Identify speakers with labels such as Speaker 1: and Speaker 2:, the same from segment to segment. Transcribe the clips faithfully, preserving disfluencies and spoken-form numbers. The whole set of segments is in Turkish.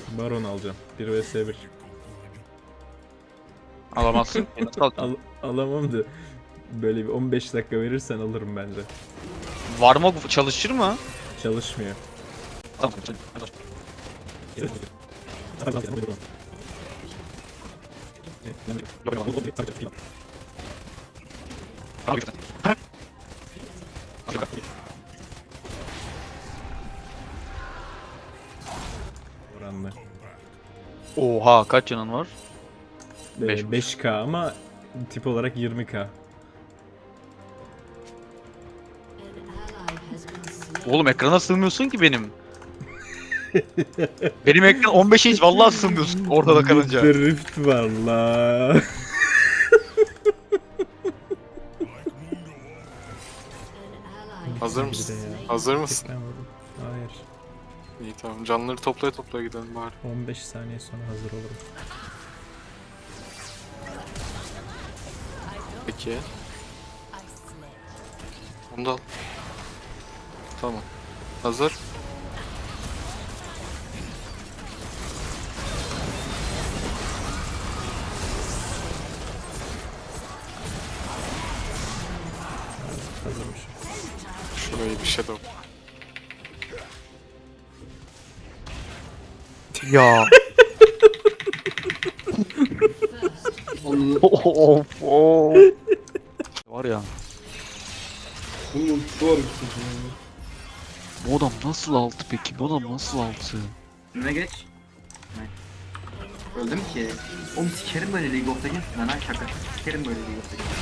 Speaker 1: Baron alacağım. bir vs bir.
Speaker 2: Alamazsın.
Speaker 1: Al, alamam da böyle bir on beş dakika verirsen alırım bence.
Speaker 2: Warmog çalışır mı?
Speaker 1: Çalışmıyor.
Speaker 2: Tamam.
Speaker 1: Oranla.
Speaker 2: Oha kaç canın var? Beş.
Speaker 1: Ee, beş K ama tip olarak yirmi K.
Speaker 2: Oğlum ekrana sığmıyorsun ki benim. Benim ekran on beş inç vallahi sığmıyorsun ortada kalınca.
Speaker 1: Drift var la.
Speaker 3: Hazır mısın? Hazır mısın?
Speaker 1: Hayır.
Speaker 3: İyi tamam. Canları toplaya toplaya gidelim bari.
Speaker 1: on beş saniye sonra hazır olurum.
Speaker 3: Peki. Onu da al. Tamam. Hazır.
Speaker 1: Hazırmış.
Speaker 3: Şurayı bir shadow.
Speaker 2: Ya. of of. Var ya.
Speaker 4: Bunun zor.
Speaker 2: Bu adam nasıl altı peki? Bu adam nasıl altı?
Speaker 5: Önüne geç. Evet. Öldüm ki. Oğlum sikerim böyle League of Legends. Lan ha şaka. Sikerim böyle League of Legends.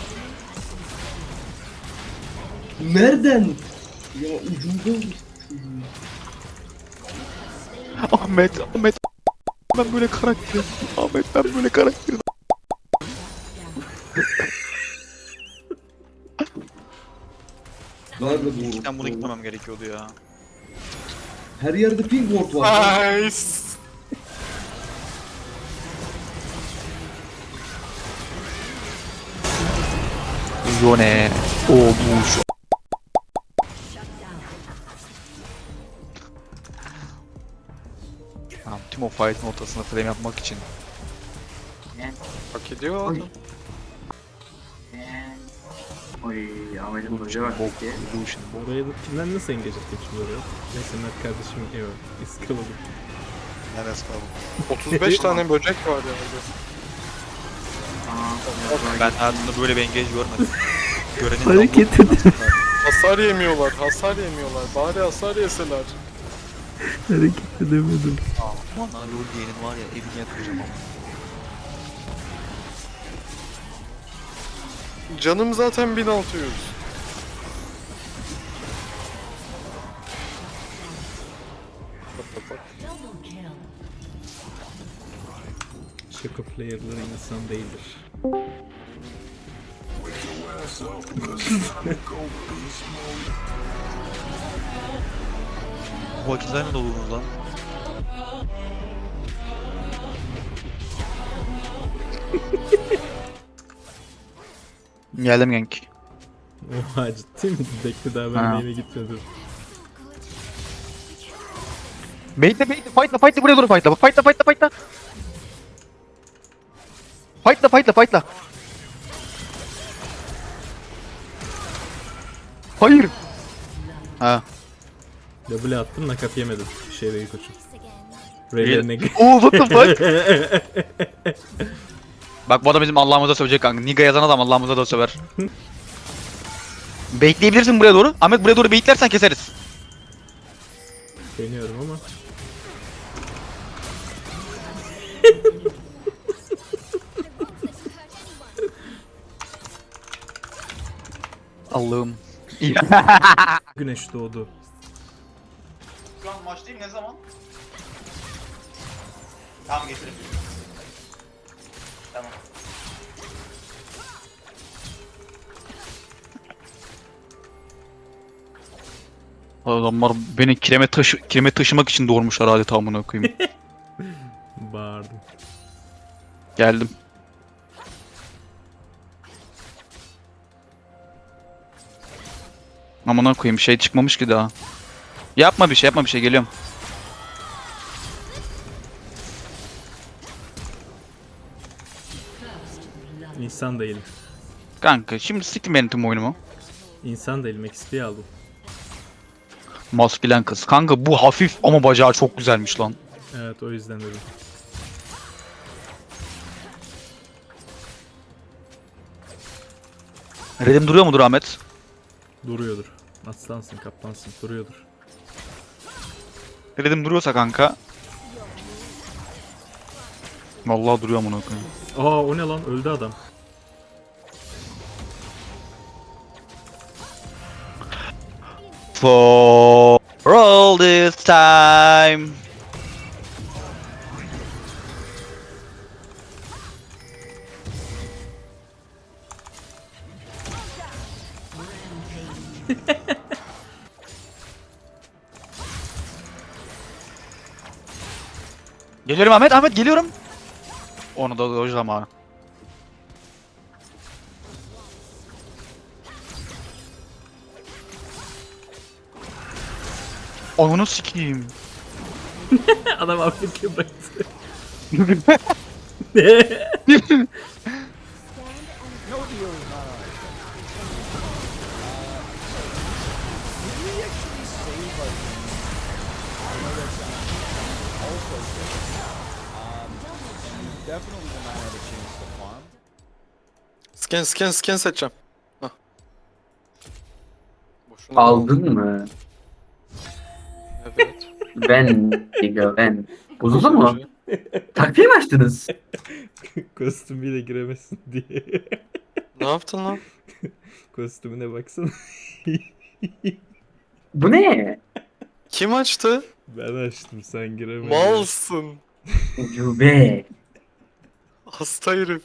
Speaker 4: Nereden? Ya ucunda olmuş çocuğun.
Speaker 2: Ahmet, Ahmet. Ben böyle karakter. Ahmet ben böyle karakter.
Speaker 4: Nerede bu?
Speaker 2: İlkten bunu gitmemem gerekiyordu ya.
Speaker 4: Her yerde ping ward var.
Speaker 3: Nice.
Speaker 2: Yone. Olmuş. Tamam, tüm o fight'ın ortasına flame yapmak için.
Speaker 5: Yani.
Speaker 3: Hak ediyor
Speaker 5: Oy.
Speaker 3: adam.
Speaker 5: Yani. Oy Ahmet'in hoca bak.
Speaker 2: Bok,
Speaker 5: ki.
Speaker 2: illusion.
Speaker 1: Oraya da kimden nasıl engage ettim şimdi oraya? Neyse Mert kardeşim yok. İskaladım.
Speaker 2: Neresi kaldı?
Speaker 3: otuz beş tane böcek var yani.
Speaker 5: Aa,
Speaker 2: Ben hayatımda böyle bir engage görmedim. Görenin
Speaker 1: Hareket
Speaker 2: edin.
Speaker 3: Hasar yemiyorlar, hasar yemiyorlar. Bari hasar yeseler.
Speaker 1: Hareket edemedim.
Speaker 2: Aman lan lol diyenin var ya evini yakacağım ama.
Speaker 3: Canım zaten bin altı yüz. Bak bak bak.
Speaker 1: Şaka player'ları insan değildir.
Speaker 2: Bu vakitler ne dolunuz lan? Geldim genk.
Speaker 1: Oha ciddi mi? Bekle daha ben
Speaker 2: Ha.
Speaker 1: main'e gitmedim.
Speaker 2: Bait'le bait'le fight'la fight'la buraya doğru fight'la. Fight'la fight'la fight'la. Fight'la fight'la fight'la. Hayır. Ha.
Speaker 1: W attım nakaf yemedim. Şey değil koçum. Raylerine
Speaker 2: Oo what the fuck? Bak bu adam bizim Allah'ımıza sövecek kanka. Niga yazan adam Allah'ımıza da söver. Baitleyebilirsin buraya doğru. Ahmet buraya doğru baitlersen keseriz.
Speaker 1: deniyorum ama.
Speaker 2: Allah'ım.
Speaker 1: Güneş doğdu.
Speaker 2: Şu an maçtayım ne zaman? Tamam getirin. Tamam. Adamlar beni kireme taşı kireme taşımak için doğurmuşlar adeta amına koyayım.
Speaker 1: Bağırdım.
Speaker 2: Geldim. Amına koyayım şey çıkmamış ki daha. Yapma bir şey yapma bir şey geliyorum.
Speaker 1: İnsan değilim.
Speaker 2: Kanka şimdi siktim benim tüm oyunumu.
Speaker 1: İnsan değilim. X P aldım.
Speaker 2: Maskelen kız. Kanka bu hafif ama bacağı çok güzelmiş lan.
Speaker 1: Evet o yüzden dedim.
Speaker 2: Redim duruyor mudur Ahmet?
Speaker 1: Duruyordur. Aslansın, kaplansın. Duruyordur.
Speaker 2: Redim duruyorsa kanka. Vallahi duruyor amına koyayım.
Speaker 1: Aa o ne lan? Öldü adam.
Speaker 2: For all this time. Geliyorum Ahmet, Ahmet geliyorum. Onu da o zamanı. Onu sikeyim.
Speaker 1: Adam Afrika'ya bıraktı.
Speaker 3: Scan scan scan seçeceğim. Hah. Boşuna
Speaker 5: Aldın mı?
Speaker 3: Evet.
Speaker 5: Ben, Digo ben. Bozuldu mu? Takviye mi açtınız?
Speaker 1: Kostümüyle giremezsin diye.
Speaker 3: Ne yaptın lan?
Speaker 1: Kostümüne baksana.
Speaker 5: Bu ne?
Speaker 3: Kim açtı?
Speaker 1: Ben açtım sen giremedin.
Speaker 3: Malsın.
Speaker 5: Ucube.
Speaker 3: Hasta herif.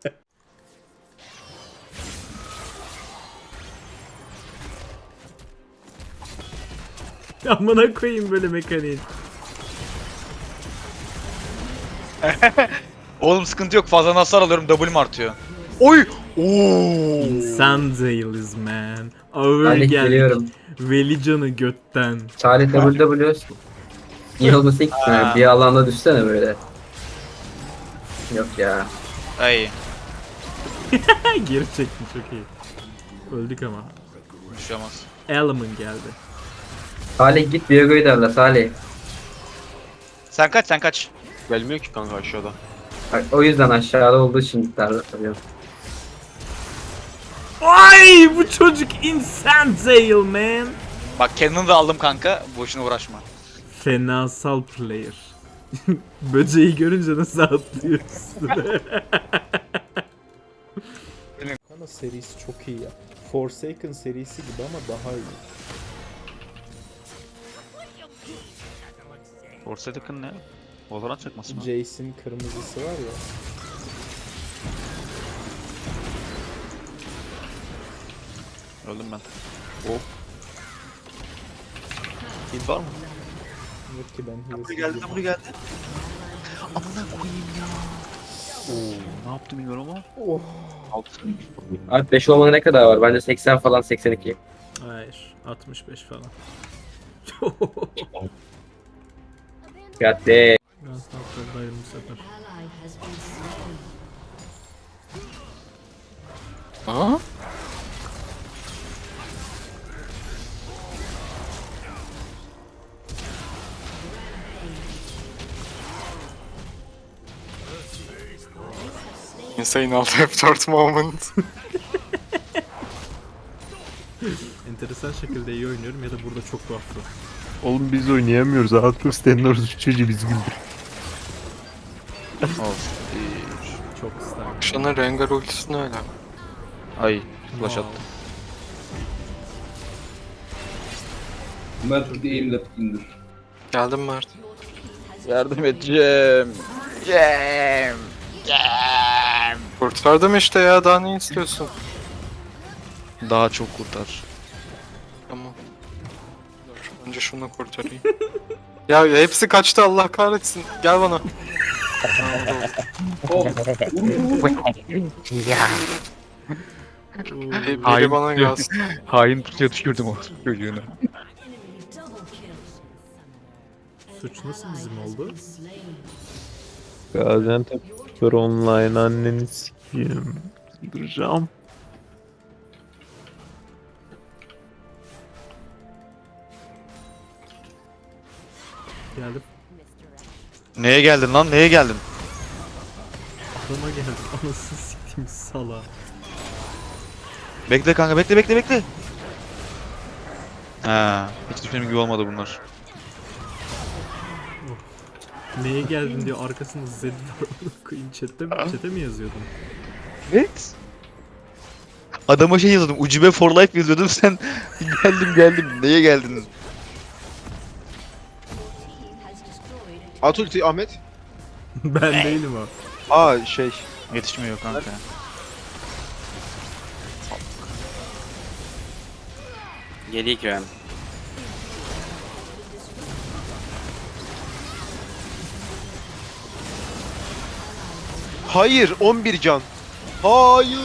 Speaker 1: Amına koyayım böyle mekaniğin.
Speaker 2: Oğlum sıkıntı yok, fazla hasar alıyorum, W'm artıyor. Oy! Oo!
Speaker 1: İnsan değiliz man. Ağır
Speaker 5: Salih
Speaker 1: geldik.
Speaker 5: geliyorum.
Speaker 1: Velican'ı götten.
Speaker 5: Salih W W. İyi olması ilk
Speaker 2: Aa.
Speaker 5: bir alanda düşsene böyle. Yok ya.
Speaker 2: Ay,
Speaker 1: Geri çekti çok iyi. Öldük ama.
Speaker 2: bir şey olmaz.
Speaker 1: Element geldi.
Speaker 5: Salih git Diego'yu darla Salih.
Speaker 2: Sen kaç, sen kaç.
Speaker 3: Gelmiyor ki kanka aşağıda.
Speaker 5: Bak, o yüzden aşağıda olduğu için darla tabii.
Speaker 1: Ay bu çocuk insan değil man.
Speaker 2: Bak kendini de aldım kanka, boşuna uğraşma.
Speaker 1: Fenasal player. Böceği görünce nasıl atlıyorsun? Ama serisi çok iyi ya. Forsaken serisi gibi ama daha iyi.
Speaker 2: Forsaken ne? Valorant çakması mı?
Speaker 1: Jace'in kırmızısı var ya.
Speaker 2: Öldüm ben. Hop. Hit var mı?
Speaker 1: Yok ki ben
Speaker 2: Buraya geldi, buraya geldi. Amına koyayım ya. Oo, ne yaptım bilmiyorum ama.
Speaker 1: Oh.
Speaker 2: Altın.
Speaker 5: Abi beş olmana ne kadar var? Bence seksen falan seksen iki.
Speaker 1: Hayır. altmış beş falan.
Speaker 5: Geldi.
Speaker 1: Biraz tatlıdayım bu sefer.
Speaker 3: Ha? Insane alt F dört moment.
Speaker 1: Enteresan şekilde iyi oynuyorum ya da burada çok tuhaflı.
Speaker 6: Oğlum biz oynayamıyoruz. Arthur Stenler çocuğu bizi güldür.
Speaker 2: Of.
Speaker 1: Çok isterim.
Speaker 3: Şana Rengar ultisi ne öyle?
Speaker 2: Ay, flash attı.
Speaker 4: Mert bir aim left indir.
Speaker 3: Geldim Mert.
Speaker 2: Yardım edeceğim. Cem. Cem.
Speaker 3: Kurtardım işte ya, daha ne istiyorsun?
Speaker 2: Daha çok kurtar.
Speaker 3: Tamam. Dur, önce şunu kurtarayım. Ya hepsi kaçtı, Allah kahretsin. Gel bana.
Speaker 4: Oh, vur vur.
Speaker 3: Biri, biri
Speaker 2: Hain
Speaker 3: bana
Speaker 2: diyor.
Speaker 3: gelsin.
Speaker 2: Hain tutuya düşürdüm o çocuğunu.
Speaker 1: Suç nasıl bizim oldu?
Speaker 6: Gaziantep Spor Online anneni sikeyim. Duracağım.
Speaker 1: Geldim.
Speaker 2: Neye geldin lan? Neye geldin?
Speaker 1: Adama geldim. Anasını siktim sala.
Speaker 2: Bekle kanka, bekle bekle bekle. Ha, hiç düşündüğüm gibi olmadı bunlar.
Speaker 1: Neye geldin diyor arkasında Zed var. Koyayım chatte mi, chat'e mi yazıyordun?
Speaker 2: Evet. Adama şey yazıyordum. Ucube for life yazıyordum. Sen geldim geldim. Neye geldin?
Speaker 7: At ulti Ahmet.
Speaker 1: Ben değilim o.
Speaker 7: Aa şey.
Speaker 2: Yetişmiyor kanka.
Speaker 8: Geri giren.
Speaker 7: Hayır on bir can. Hayır.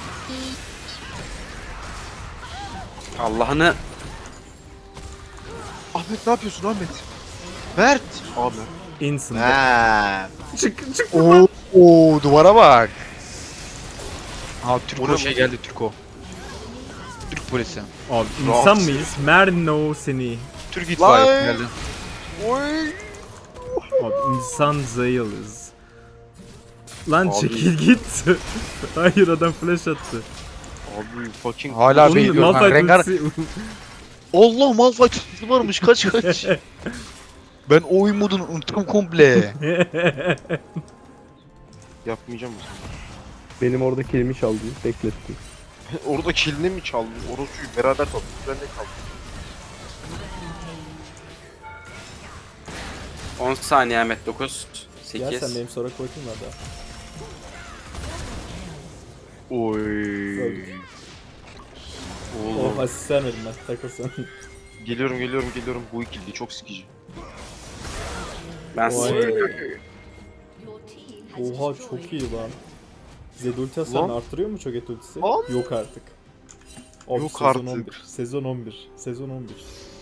Speaker 8: Allah'ını
Speaker 7: Ahmet ne yapıyorsun Ahmet? Mert. Ahmet.
Speaker 1: Instant.
Speaker 7: Ha.
Speaker 1: Çık çık.
Speaker 2: Oo, oo duvara bak. Ha Türko
Speaker 7: Ona
Speaker 2: şey
Speaker 7: mı?
Speaker 2: geldi Türko. Türk polisi.
Speaker 1: Abi insan mıyız? Merno seni.
Speaker 2: Türk itfaiye
Speaker 7: Lan!
Speaker 2: geldi.
Speaker 7: Oy.
Speaker 1: Abi insan zayılız. Lan
Speaker 7: Abi.
Speaker 1: çekil git. Hayır adam flash attı.
Speaker 7: Abi fucking.
Speaker 2: Hala
Speaker 1: Onun
Speaker 2: bekliyorum.
Speaker 1: Malphite
Speaker 2: Ha, Rengar.
Speaker 1: ultisi-
Speaker 2: Allah Malphite ultisi varmış. Kaç kaç. Ben o oyun modunu unuttum komple.
Speaker 7: Yapmayacağım mısın?
Speaker 6: Benim orada kilimi çaldı. Bekletti.
Speaker 7: Orada kilini mi çaldın? Orospuyu beraber kaldık. Ben de kaldım.
Speaker 8: on saniye Ahmet dokuz
Speaker 1: Gel sen
Speaker 8: sekiz
Speaker 1: benim sonra bakayım hadi.
Speaker 7: Oy.
Speaker 1: Oh asist vermedim ben takılsın.
Speaker 7: Geliyorum geliyorum geliyorum. Bu ikili çok sikici.
Speaker 8: Ben
Speaker 1: Vay. Oha çok iyi lan. Zed ulti hasarını
Speaker 7: Lan.
Speaker 1: arttırıyor mu çok et ultisi?
Speaker 7: Lan.
Speaker 1: Yok artık. Abi,
Speaker 7: Yok
Speaker 1: sezon
Speaker 7: artık.
Speaker 1: on bir. Sezon on bir. Sezon on bir.